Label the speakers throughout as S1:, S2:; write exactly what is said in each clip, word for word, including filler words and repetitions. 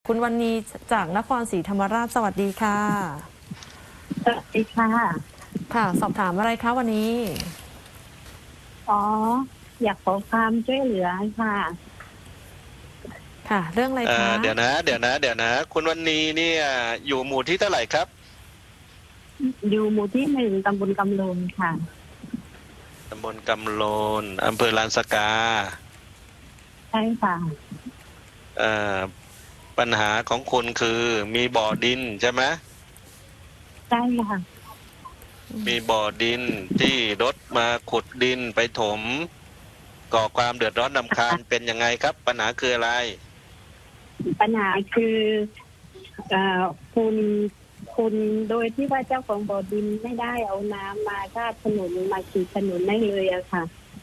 S1: คุณวรรณีจากนครศรีธรรมราชสวัสดีค่ะ
S2: สวัสดีค่ะ
S1: ค่ะสอบถามอะไรคะวันนี้
S2: อ๋ออยากขอความช่วยเหลือค่ะ
S1: ค่ะเรื่องอะไร
S3: เอ่
S1: คะ
S3: อเดี๋ยวนะเดี๋ยวนะเดี๋ยวนะคุณวรรณีเนี่ยอยู่หมู่ที่เท่าไหร่ครับ
S2: อยู่หมู่ที่หนึ่งตำบลกำลงค่ะ
S3: ตำบลกำโลนอำเภอลานสกา
S2: ใช่ค่ะ
S3: เอ่อปัญหาของคุณคือมีบ่อดินใช่ไหม
S2: ใช่ค่ะ
S3: มีบ่อดินที่รถมาขุดดินไปถมก่อความเดือดร้อนรำคาญเป็นยังไงครับปัญหาคืออะไร
S2: ปัญหาคือเอ่อคุณคุณโดยที่ว่าเจ้าของบ่อดินไม่ได้เอาน้ำมาราดถนนมาฉีดถนนได้เลยอะค่ะ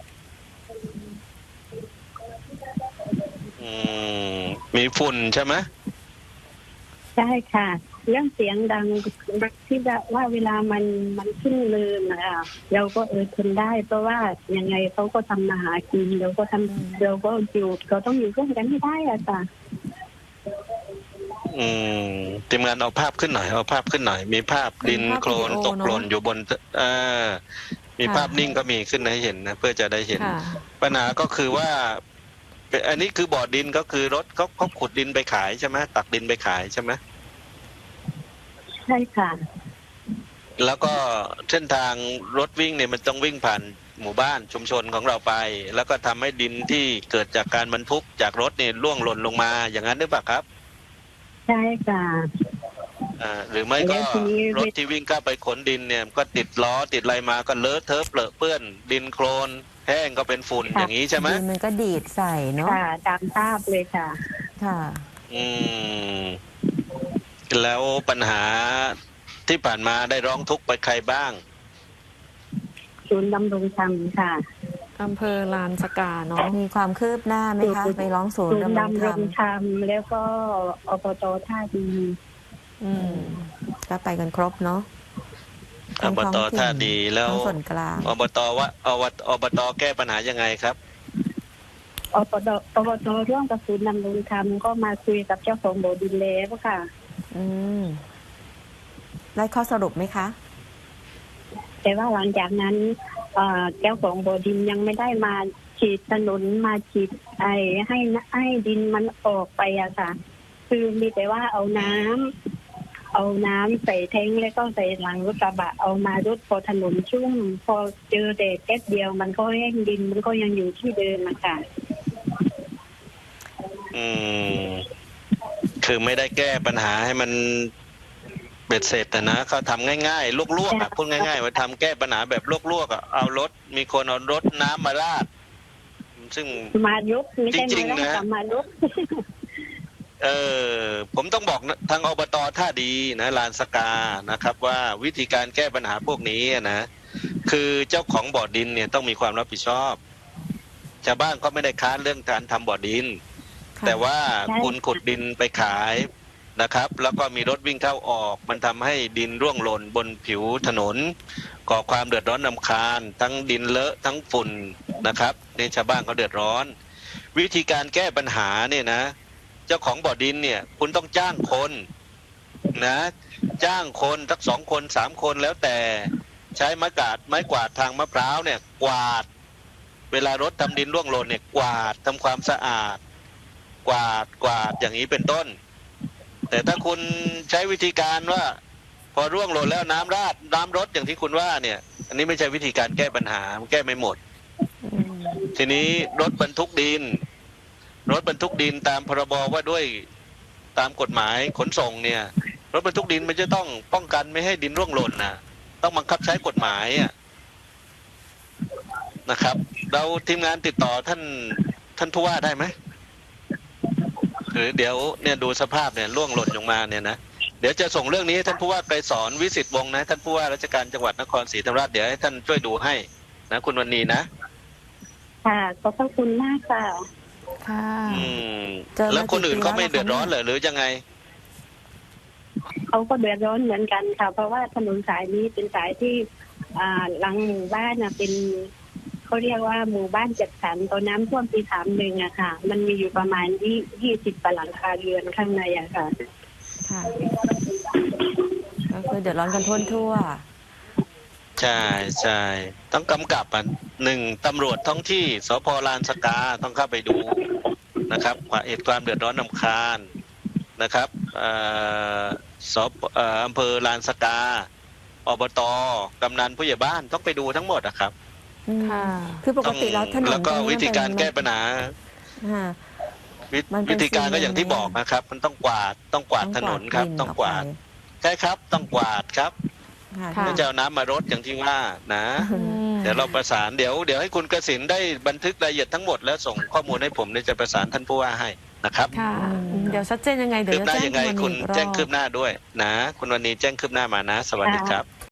S3: อืมมีฝุ่นใช่ไหม
S2: ใช่ค่ะเรื่องเสียงดังที่ว่าเวลามันมันขึ้นเนินนะคะเราก็เออทนได้เพราะว่ายังไงเขาก็ทำมาหากินเราก็ทำเราก็อยู่เราต้องอยู่ร่วมกันให้ได้อะค่ะ
S3: อืมทีมงานเอาภาพขึ้นหน่อยเอาภาพขึ้นหน่อยมีภาพดินโคลนตกหล่นอยู่บนเอ่อมีภาพนิ่งก็มีขึ้นให้เห็นนะเพื่อจะได้เห็นปัญหาก็คือว่าอันนี้คือบ่อดินก็คือรถเขาเขาขุดดินไปขายใช่ไหมตักดินไปขายใช่ไหม
S2: ใช่ค่ะ
S3: แล้วก็เส้นทางรถวิ่งเนี่ยมันต้องวิ่งผ่านหมู่บ้านชุมชนของเราไปแล้วก็ทำให้ดินที่เกิดจากการบรรทุกจากรถเนี่ยร่วงหล่นลงมาอย่างนั้นหรือเปล่าครับ
S2: ใช่ค่ะ
S3: อ่าหรือไม่ก็รถที่วิ่งเข้าไปขนดินเนี่ยก็ติดล้อติดอะไรมาก็เลอะเทอะเปรอะเปื้อนดินโคลนแห้งก็เป็นฝุ่นอย่างนี้ใช่ไหม
S1: ดินมันก็ดีดใส่เนาะ
S2: ค่ะตามภาพเลยค่ะ
S1: ค่ะ
S3: อืมแล้วปัญหาที่ผ่านมาได้ร้องทุกข์ไปใครบ้าง
S2: ศูนย์ดำรงธรรมค่ะ
S1: อำเภอลานสกาเนาะมีความคืบหน้าไหมคะไปร้องศูนย์ดำรงธรรม
S2: ธรรมแล้วก็อบตท่าดี
S1: อืมก็ไปกันครบเนาะ
S3: อบตท่าดีแล้ว
S1: ส่วนกลาง
S3: อบตว่าอบอบตแก้ปัญหายังไงครับ
S2: อบตอบตร่วมกับศูนย์ดำรงธรรมก็มาคุยกับเจ้าของบ่อดินแล้วค่ะ
S1: อืมได้ข้อสรุปไหมคะ
S2: แต่ว่าหลังจากนั้นเจ้าของบ่อดินยังไม่ได้มาฉีดถนนมาฉีดไอให้ให้ดินมันออกไปอะค่ะคือมีแต่ว่าเอาน้ำเอาน้ำใส่แท้งแล้วก็ใส่หลังรถกระบะเอามารถพอถนนชุ่มพอเจอแดดแป๊บเดียวมันก็แห้งดินมันก็ยังอยู่ที่เดิมอะค่ะ
S3: อืมคือไม่ได้แก้ปัญหาให้มันเบ็ดเสร็จแต่นะเขาทำง่ายๆลวกๆอ่ะพูดง่ายๆว่าทำแก้ปัญหาแบบลวกๆอ่ะเอารถมีคนเอารถน้ำมาราดซึ่ง
S2: มายกไม่ใช่มาราดมายก
S3: เออผมต้องบอกทางอบตท่าดีนะลานสกานะครับว่าวิธีการแก้ปัญหาพวกนี้นะคือเจ้าของบ่อดินเนี่ยต้องมีความรับผิดชอบชาวบ้านก็ไม่ได้ค้านเรื่องการทำบ่อดินแต่ว่าคุณขุดดินไปขายนะครับแล้วก็มีรถวิ่งเข้าออกมันทำให้ดินร่วงหล่นบนผิวถนนก่อความเดือดร้อนรำคาญทั้งดินเลอะทั้งฝุ่นนะครับในชาวบ้านเขาเดือดร้อนวิธีการแก้ปัญหาเนี่ยนะเจ้าของบ่อดินเนี่ยคุณต้องจ้างคนนะจ้างคนสักสองคนสามคนแล้วแต่ใช้ไม้กวาดไม้กวาดทางมะพร้าวเนี่ยกวาดเวลารถทำดินร่วงหล่นเนี่ยกวาดทำความสะอาดกวาดกวาดอย่างนี้เป็นต้นแต่ถ้าคุณใช้วิธีการว่าพอร่วงหล่นแล้วน้ำราดน้ำรดอย่างที่คุณว่าเนี่ยอันนี้ไม่ใช่วิธีการแก้ปัญหามันแก้ไม่หมดทีนี้รถบรรทุกดินรถบรรทุกดินตามพรบว่าด้วยตามกฎหมายขนส่งเนี่ยรถบรรทุกดินมันจะต้องป้องกันไม่ให้ดินร่วงหล่นนะต้องบังคับใช้กฎหมายนะครับเราทีมงานติดต่อท่านท่านผู้ว่าได้ไหมหรือเดี๋ยวเนี่ยดูสภาพเนี่ยร่วงหล่นลงมาเนี่ยนะเดี๋ยวจะส่งเรื่องนี้ท่านผู้ว่าไกรสอนวิสิตวงศ์นะท่านผู้ว่าราชการจังหวัดนครศรีธรรมราชเดี๋ยวให้ท่านช่วยดูให้นะคุณวรรณีนะ
S2: ค่ะขอบพระคุณมากค่ะ
S1: ค่ะ
S3: อืมแล้วคนอื่นเขาไม่เดือดร้อนเหรอหรือยังไง
S2: เขาก็เดือดร้อนเหมือนกันค่ะเพราะว่าถนนสายนี้เป็นสายที่อ่าหลังหมู่บ้านน่ะเป็นเขาเรียกว่าหมู่บ้านจัดสรรตอนน้ำท่วมปีสามหนึ่งอะค่ะ มันมีอยู่ประมาณยี่ยี่สิบหลังคาเรือนข้างในอะค่ะ
S1: ค่ะ ก็คือเดือดร้อนกันทั่วทั่ว
S3: ใช่ใช่ต้องกำกับอ่ะหนึ่งตำรวจท้องที่สพลานสกาต้องเข้าไปดูนะครับเหตุความเดือดร้อนรำคาญนะครับเอ่อสพเอ่ออำเภอลานสกาอบตกำนันผู้ใหญ่บ้านต้องไปดูทั้งหมดอะครับ
S1: อืม
S4: ค่ะ
S1: คือปกติแล้วถนน
S3: แล้วก็
S1: ตรงนี้
S3: วิธีการแก้ปัญหา
S1: ค่ะ
S3: วิ
S1: มันเป็น
S3: วิธีการก็อย่างที่
S1: ซีเมนต์
S3: บอกนะครับ มันต้องกวาดต้องกวาดถนนครับ ต้องกวาดใช่ครับ ต้องกวาดครับ
S1: ค่ะ
S4: ค่ะ
S3: ไม่จะเอาน้ำมารดอย่างที่ว่านะ
S1: อืม
S3: เดี๋ยวเราประสานเดี๋ยวเดี๋ยวให้คุณกสินได้บันทึกรายละเอียดทั้งหมดแล้วส่งข้อมูลให้ผมเนี่ยจะประสานท่านผู้ว่าให้นะครับ
S4: ค่ะ
S1: อืมเดี๋ยวชัดเจนยังไงเดี๋ย
S3: คื
S1: ว
S3: บ
S1: จะ
S3: หน้า
S1: แจ้ง
S3: ยังไง
S1: คุณ
S3: คุณ
S1: อีกรอบ
S3: แจ้งคืบหน้าด้วยนะ คุณวันนี้แจ้งคืบหน้ามานะ สวัสดีครับ